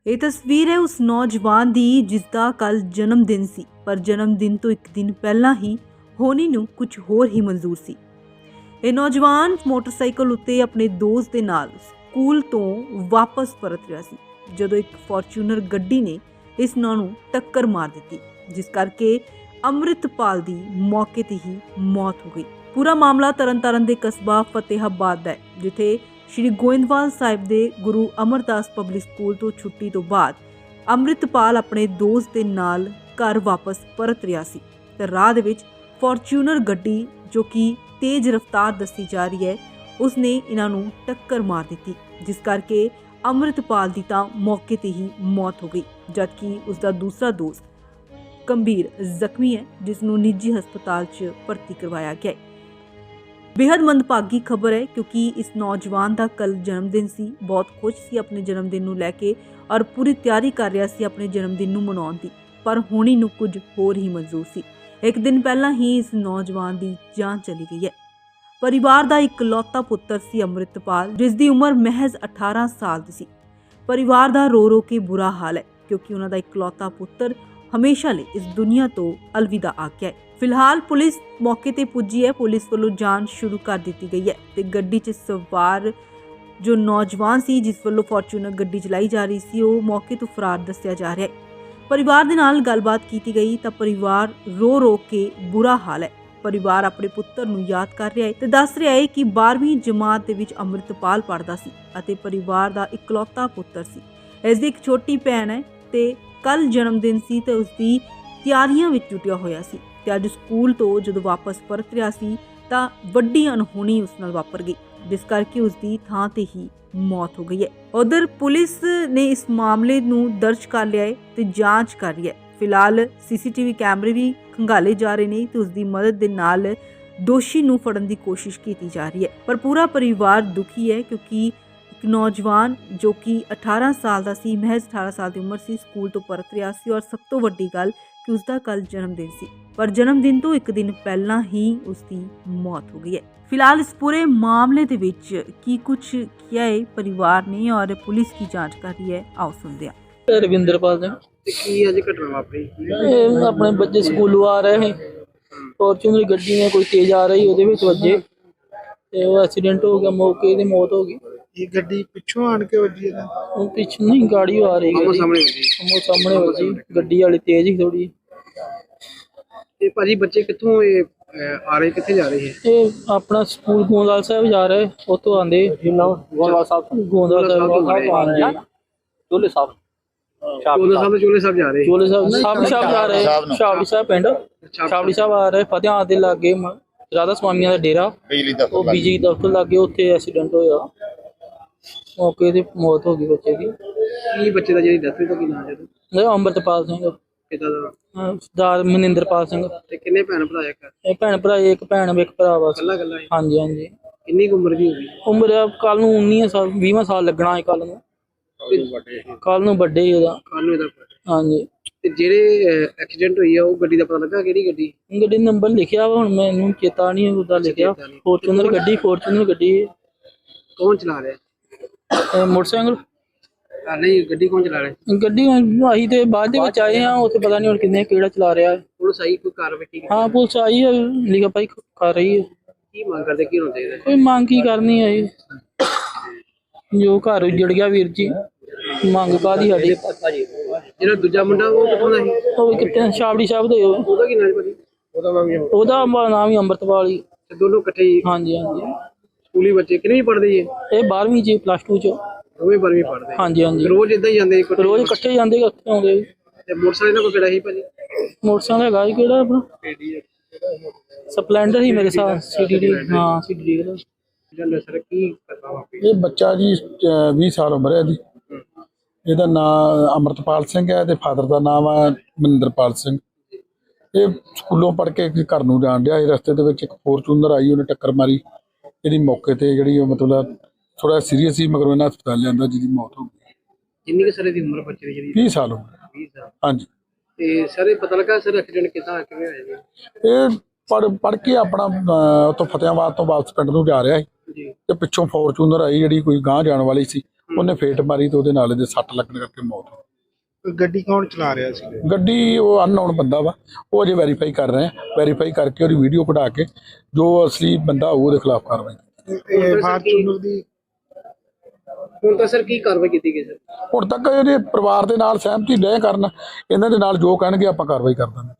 ਇਹ ਤਸਵੀਰ ਹੈ ਉਸ ਨੌਜਵਾਨ ਦੀ ਜਿਸ ਦਾ ਕੱਲ ਜਨਮ ਦਿਨ ਸੀ, ਪਰ ਜਨਮ ਦਿਨ ਤੋਂ ਇੱਕ ਦਿਨ ਪਹਿਲਾਂ ਹੀ ਹੋਣੀ ਨੂੰ ਕੁਝ ਹੋਰ ਹੀ ਮਨਜ਼ੂਰ ਸੀ। ਇਹ ਨੌਜਵਾਨ ਮੋਟਰਸਾਈਕਲ ਉੱਤੇ ਆਪਣੇ ਦੋਸਤ ਦੇ ਨਾਲ ਸਕੂਲ ਤੋਂ ਵਾਪਸ ਪਰਤ ਰਿਹਾ ਸੀ ਜਦੋਂ ਇੱਕ ਫੋਰਚੂਨਰ ਗੱਡੀ ਨੇ ਇਸ ਨੂੰ ਟੱਕਰ ਮਾਰ ਦਿੱਤੀ, ਜਿਸ ਕਰਕੇ ਅੰਮ੍ਰਿਤਪਾਲ ਦੀ ਮੌਕੇ ਤੇ ਹੀ ਮੌਤ ਹੋ ਗਈ। ਪੂਰਾ ਮਾਮਲਾ ਤਰਨਤਾਰਨ ਦੇ ਕਸਬਾ ਫਤਿਹਾਬਾਦ ਦਾ ਹੈ, ਜਿੱਥੇ ਸ਼੍ਰੀ ਗੋਇੰਦਵਾਲ ਸਾਹਿਬ ਦੇ ਗੁਰੂ ਅਮਰਦਾਸ ਪਬਲਿਕ ਸਕੂਲ ਤੋਂ ਛੁੱਟੀ ਤੋਂ ਬਾਅਦ ਅੰਮ੍ਰਿਤਪਾਲ ਆਪਣੇ ਦੋਸਤ ਦੇ ਨਾਲ ਘਰ ਵਾਪਸ ਪਰਤ ਰਿਹਾ ਸੀ ਤੇ ਰਾਹ ਦੇ ਵਿੱਚ ਫੋਰਚੂਨਰ ਗੱਡੀ ਜੋ ਕਿ ਤੇਜ਼ ਰਫ਼ਤਾਰ ਦੱਸੀ ਜਾ ਰਹੀ ਹੈ, ਉਸਨੇ ਇਹਨਾਂ ਨੂੰ ਟੱਕਰ ਮਾਰ ਦਿੱਤੀ, ਜਿਸ ਕਰਕੇ ਅੰਮ੍ਰਿਤਪਾਲ ਦੀ ਤਾਂ ਮੌਕੇ ਤੇ ਹੀ ਮੌਤ ਹੋ ਗਈ, ਜਦਕਿ ਉਸਦਾ ਦੂਸਰਾ ਦੋਸਤ ਗੰਭੀਰ ਜ਼ਖਮੀ ਹੈ, ਜਿਸ ਨੂੰ ਨਿੱਜੀ ਹਸਪਤਾਲ 'ਚ ਭਰਤੀ ਕਰਵਾਇਆ ਗਿਆ ਹੈ। बेहद मंदभागी खबर है क्योंकि इस नौजवान का कल जन्मदिन सी, बहुत खुश सी अपने जन्मदिन नूं लैके और पूरी तैयारी कर रहा सी अपने जन्मदिन नूं मनाउण दी, पर होनी नूं कुछ होर ही मंजूर सी। एक दिन पहला ही इस नौजवान की जान चली गई है। परिवार का इकलौता पुत्र सी अमृतपाल, जिसकी उम्र महज 18 साल दी सी। परिवार का रो रो के बुरा हाल है क्योंकि उन्हां दा इकलौता पुत्र हमेशा लिए इस दुनिया तो अलविदा आ गया है। फिलहाल पुलिस मौके ते पुजी है, पुलिस वालों जांच शुरू कर दी गई है ते गड्डी च सवार जो नौजवान सी जिस वालों फॉर्चूनर गड्डी चलाई जा रही सी, वो मौके तो फरार दस्सिया जा रहा है। परिवार दे नाल गलबात की गई तो परिवार रो रो के बुरा हाल है। परिवार अपने पुत्र नूं याद कर रहा है ते दस रहा है कि 12वीं जमात दे विच अमृतपाल पढ़दा सी अते परिवार दा इकलौता पुत्र सी। इस दी एक छोटी भैन है ते कल जन्मदिन सी ते उसदी ਤਿਆਰੀਆਂ ਵਿੱਚ ਜੁਟਿਆ ਹੋਇਆ ਸੀ ਤੇ ਅੱਜ ਸਕੂਲ ਤੋਂ ਜਦੋਂ ਵਾਪਸ ਪਰਤ ਰਿਹਾ ਸੀ ਤਾਂ ਵੱਡੀ ਅਣਹੋਣੀ ਉਸ ਨਾਲ ਵਾਪਰ ਗਈ, ਜਿਸ ਕਰਕੇ ਉਸ ਦੀ ਥਾਂ ਤੇ ਹੀ ਮੌਤ ਹੋ ਗਈ ਹੈ। ਉਧਰ ਪੁਲਿਸ ਨੇ ਇਸ ਮਾਮਲੇ ਨੂੰ ਦਰਜ ਕਰ ਲਿਆ ਹੈ ਤੇ ਜਾਂਚ ਕਰ ਰਹੀ ਹੈ। ਫਿਲਹਾਲ ਸੀਸੀਟੀਵੀ ਕੈਮਰੇ ਵੀ ਖੰਗਾਲੇ ਜਾ ਰਹੇ ਨੇ ਤੇ ਉਸ ਦੀ ਮਦਦ ਦੇ ਨਾਲ ਦੋਸ਼ੀ ਨੂੰ ਫੜਨ ਦੀ ਕੋਸ਼ਿਸ਼ ਕੀਤੀ ਜਾ ਰਹੀ ਹੈ। ਪਰ ਪੂਰਾ ਪਰਿਵਾਰ ਦੁਖੀ ਹੈ ਕਿਉਂਕਿ ਇੱਕ ਨੌਜਵਾਨ ਜੋ ਕਿ 18 ਸਾਲ ਦਾ ਸੀ, ਮਹਿਜ਼ 18 ਸਾਲ ਦੀ ਉਮਰ ਸੀ, ਸਕੂਲ ਤੋਂ ਪਰਤ ਰਿਹਾ ਸੀ ਔਰ ਸਭ ਤੋਂ ਵੱਡੀ ਗੱਲ कि उसका कल जन्मदिन सी, पर जन्मदिन तो एक दिन पहला ही उसकी मौत हो गई है। फिलहाल इस पूरे मामले दे विच की कुछ किया है परिवार ने और पुलिस की जांच कर रही है, आओ सुनते हैं। रविंद्रपाल सिंह की अज घटना वापरी अपने बच्चे स्कूलों आ रहे हैं, फॉर्चूनर गड्डी में कोई तेज आ रही ਉਹਦੇ ਵਿੱਚ ਵੱਜੇ ਤੇ ਉਹ ਐਕਸੀਡੈਂਟ ਹੋ ਗਿਆ, ਮੌਕੇ ਤੇ ਮੌਤ ਹੋ ਗਈ। ਇਹ ਗੱਡੀ ਪਿੱਛੋਂ ਆਣ ਕੇ ਵੱਜੀ ਹੈ? ਉਹ ਪਿੱਛੋਂ ਨਹੀਂ, ਗਾੜੀ ਆ ਰਹੀ ਹੈ, ਸਾਹਮਣੇ ਵੱਜੀ, ਗੱਡੀ ਵਾਲੀ ਤੇਜ਼ ਹੀ ਥੋੜੀ। ਤੇ ਭਾਜੀ ਬੱਚੇ ਕਿੱਥੋਂ ਆ ਰਹੇ, ਕਿੱਥੇ ਜਾ ਰਹੇ ਹੈ? ਇਹ ਆਪਣਾ ਸਕੂਲ ਗੋਂਦਵਾਲ ਸਾਹਿਬ ਜਾ ਰਹੇ, ਉੱਥੋਂ ਆਂਦੇ ਗੋਂਦਵਾਲ ਸਾਹਿਬ ਆ ਰਹੇ ਚੋਲੇ ਸਾਹਿਬ ਚੋਲੇ ਸਾਹਿਬ ਜਾ ਰਹੇ, ਚੋਲੇ ਸਾਹਿਬ ਜਾ ਰਹੇ, ਸ਼ਾਬੜੀ ਸਾਹਿਬ ਪਿੰਡ ਸ਼ਾਬੜੀ ਸਾਹਿਬ ਆ ਰਹੇ, ਫਤਿਹਾਬਾਦ ਦੇ ਲਾਗੇ ਰਾਧਾ ਸਵਾਮੀਆਂ ਦਾ ਡੇਰਾ, ਉਹ ਬਿਜਲੀ ਦਫ਼ਤਰ ਲਾਗੇ, ਉੱਥੇ ਐਕਸੀਡੈਂਟ ਹੋਇਆ, ਮੌਕੇ ਤੇ ਮੌਤ ਹੋ ਗਈ ਬੱਚੇ ਦੀ। ਕੀ ਬੱਚੇ ਦਾ ਜਿਹੜੀ ਡੈਥ ਹੋਈ ਤਾਂ ਕੀ ਨਾਮ ਹੈ? ਅੰਮ੍ਰਿਤਪਾਲ ਸਿੰਘ, ਪਿਤਾ ਦਾ? ਸਰਦਾਰ ਮਨਿੰਦਰਪਾਲ ਸਿੰਘ। ਤੇ ਕਿੰਨੇ ਭੈਣ ਭਰਾ ਇੱਕ? ਇਹ ਭੈਣ ਭਰਾ, ਇੱਕ ਭੈਣ ਇੱਕ ਭਰਾ ਬਸ। ਕੱਲਾ ਕੱਲਾ? ਹਾਂਜੀ ਹਾਂਜੀ। ਕਿੰਨੀ ਕੁ ਉਮਰ ਦੀ ਹੋਗੀ? ਉਮਰ ਕੱਲ ਨੂੰ 19 ਸਾਲ 20ਵਾਂ ਸਾਲ ਲੱਗਣਾ ਹੈ, ਕੱਲ ਨੂੰ ਵੱਡੇ ਉਹਦਾ। ਕੱਲ ਨੂੰ ਇਹਦਾ? ਹਾਂਜੀ। ਤੇ ਜਿਹੜੇ ਐਕਸੀਡੈਂਟ ਹੋਈ ਆ ਉਹ ਗੱਡੀ ਦਾ ਪਤਾ ਲੱਗਾ ਕਿਹੜੀ ਗੱਡੀ? ਗੱਡੀ ਨੰਬਰ ਲਿਖਿਆ ਵਾ, ਹੁਣ ਮੈਨੂੰ ਚੇਤਾ ਨਹੀਂ ਉਹਦਾ ਲਿਖਿਆ। ਫੋਰਚੂਨਰ ਗੱਡੀ। ਕੌਣ ਚਲਾ ਰਿਹਾ? ਮੋਟਰਸਾਈਕਲ ਨਹੀਂ, ਗੱਡੀ ਕੌਣ ਚਲਾ ਰਿਹਾ? ਗੱਡੀ ਅਸੀਂ ਤੇ ਬਾਅਦ ਦੇ ਵਿੱਚ ਆਏ ਆ, ਉੱਥੇ ਪਤਾ ਨਹੀਂ ਹੁਣ ਕਿੰਨੇ ਕਿਹੜਾ ਚਲਾ ਰਿਹਾ ਹੈ। ਪੁਲਿਸ ਆਈ, ਕੋਈ ਕਾਰਵਾਈ ਕੀਤੀ? ਹਾਂ ਪੁਲਿਸ ਆਈ ਹੈ, ਲਿਖਾ ਪਾਈ ਕਰ ਰਹੀ ਹੈ। ਕੀ ਮੰਗ ਕਰਦੇ, ਕੀ ਹੋਣਾ ਚਾਹੀਦਾ? ਕੋਈ ਮੰਗ ਕੀ ਕਰਨੀ ਹੈ, ਜੋ ਘਰ ਉੱਜੜ ਗਿਆ ਵੀਰ ਜੀ, ਮੰਗ ਕਾਹਦੀ ਸਾਡੀ? ਜਿਹੜਾ ਦੂਜਾ ਮੁੰਡਾ ਉਹ ਕਿੱਥੋਂ ਦਾ ਸੀ? ਉਹ ਕਿੱਥੇ ਸ਼ਾਬੜੀ ਸਾਹਿਬ ਦਾ। ਉਹਦਾ ਕੀ ਨਾਮ ਭਾਜੀ? ਉਹਦਾ ਨਾਮ ਹੀ ਅੰਮ੍ਰਿਤਪਾਲ ਹੀ। ਦੋਨੋਂ ਇਕੱਠੇ ਹੀ? ਹਾਂਜੀ ਹਾਂਜੀ। ਸਕੂਲੀ ਬੱਚੇ ਕਿੰਨੇ ਪੜ੍ਹਦੇ ਜੀ? ਇਹ 12ਵੀਂ ਚ, +2 ਚ। ਦੋਵੇਂ 12ਵੀਂ ਪੜ੍ਹਦੇ? ਹਾਂਜੀ ਹਾਂਜੀ। ਰੋਜ਼ ਇਦਾਂ ਹੀ ਜਾਂਦੇ? ਰੋਜ਼ ਇਕੱਠੇ ਜਾਂਦੇ, ਇਕੱਠੇ ਆਉਂਦੇ। ਤੇ ਮੋਟਰਸਾਈਕਲ ਨਾਲ ਕੋਈ ਕਿਹੜਾ ਸੀ ਭਾਜੀ? ਮੋਟਰਸਾਈਕਲ ਹੈਗਾ ਜੀ, ਕਿਹੜਾ ਆਪਣਾ ਸਪਲੈਂਡਰ ਹੀ ਮੇਰੇ ਸਾਹ, CDD। ਹਾਂ CDD ਦਾ। ਸਰ ਕੀ ਕਰਨਾ ਵਾਪਰੀ? ਇਹ ਬੱਚਾ ਜੀ 20 ਸਾਲ ਉਮਰ ਹੈ ਇਹਦੀ। ਇਹਦਾ ਨਾਮ ਅਮਰਤਪਾਲ ਸਿੰਘ ਹੈ ਤੇ ਫਾਦਰ ਦਾ ਨਾਮ ਹੈ ਮਨਿੰਦਰਪਾਲ ਸਿੰਘ। ਇਹ ਸਕੂਲੋਂ ਪੜ੍ਹ ਕੇ ਘਰ ਨੂੰ ਜਾਣ ਡਿਆ ਸੀ, ਰਸਤੇ ਦੇ ਵਿੱਚ ਇੱਕ ਫੋਰਚੂਨਰ ਆਈ, ਉਹਨੇ ਟੱਕਰ ਮਾਰੀ। ਇਹਦੀ ਮੌਕੇ ਤੇ ਜਿਹੜੀ ਉਹ ਮਤਲਬ ਥੋੜਾ ਸੀਰੀਅਸ ਸੀ, ਮਗਰ ਇਹਨਾਂ ਹਸਪਤਾਲ ਲਿਆਂਦਾ, ਜਿਹਦੀ ਮੌਤ ਹੋ ਗਈ। ਕਿੰਨੀ ਕੁ ਸਾਲ ਦੀ ਉਮਰ ਬੱਚੇ ਦੀ ਜਿਹੜੀ? 20 ਸਾਲ ਉਮਰ। 20 ਸਾਲ। ਹਾਂਜੀ। ਤੇ ਸਰ ਇਹ ਪਤਾ ਲੱਗਾ ਸਰ ਐਕਸੀਡੈਂਟ ਕਿੱਦਾਂ ਕਿਵੇਂ ਹੋਇਆ ਜੀ? ਇਹ ਪੜ੍ਹ ਕੇ ਆਪਣਾ ਉੱਥੋਂ ਫਤਿਹਾਬਾਦ ਤੋਂ ਵਾਪਸ ਪਿੰਡ ਨੂੰ ਜਾ ਰਿਹਾ ਸੀ ਜੀ, ਤੇ ਪਿੱਛੋਂ ਫੋਰਚੂਨਰ ਆਈ ਜਿਹੜੀ ਕੋਈ ਗਾਂਹ ਜਾਣ ਵਾਲੀ ਸੀ, ਉਹਨੇ ਫੇਟ ਮਾਰੀ ਤੇ ਉਹਦੇ ਨਾਲ ਇਹਦੇ ਸੱਟ ਲੱਗਣ ਕਰਕੇ ਮੌਤ ਹੋ ਗਈ। ਗੱਡੀ ਕੌਣ ਚਲਾ ਰਿਹਾ ਸੀ? ਗੱਡੀ ਉਹ ਅਨਨੋਨ ਬੰਦਾ ਵਾ, ਉਹ ਅਜੇ ਵੈਰੀਫਾਈ ਕਰ ਰਹੇ ਆ। ਵੈਰੀਫਾਈ ਕਰਕੇ ਉਹਦੀ ਵੀਡੀਓ ਕਢਾ ਕੇ ਜੋ ਅਸਲੀ ਬੰਦਾ ਹੋਊ ਉਹਦੇ ਖਿਲਾਫ ਕਾਰਵਾਈ। ਫਾਰਚੂਨਰ ਦੀ ਹੁਣ ਤਾਂ ਸਰ ਕੀ ਕਾਰਵਾਈ ਕੀਤੀ ਗਈ ਸਰ? ਹੁਣ ਤੱਕ ਇਹਦੇ ਪਰਿਵਾਰ ਦੇ ਨਾਲ ਸਹਿਮਤੀ ਲੈ ਕਰਨ, ਇਹਨਾਂ ਦੇ ਨਾਲ ਜੋ ਕਹਿਣਗੇ ਆਪਾਂ ਕਾਰਵਾਈ ਕਰ ਦਾਂਗੇ।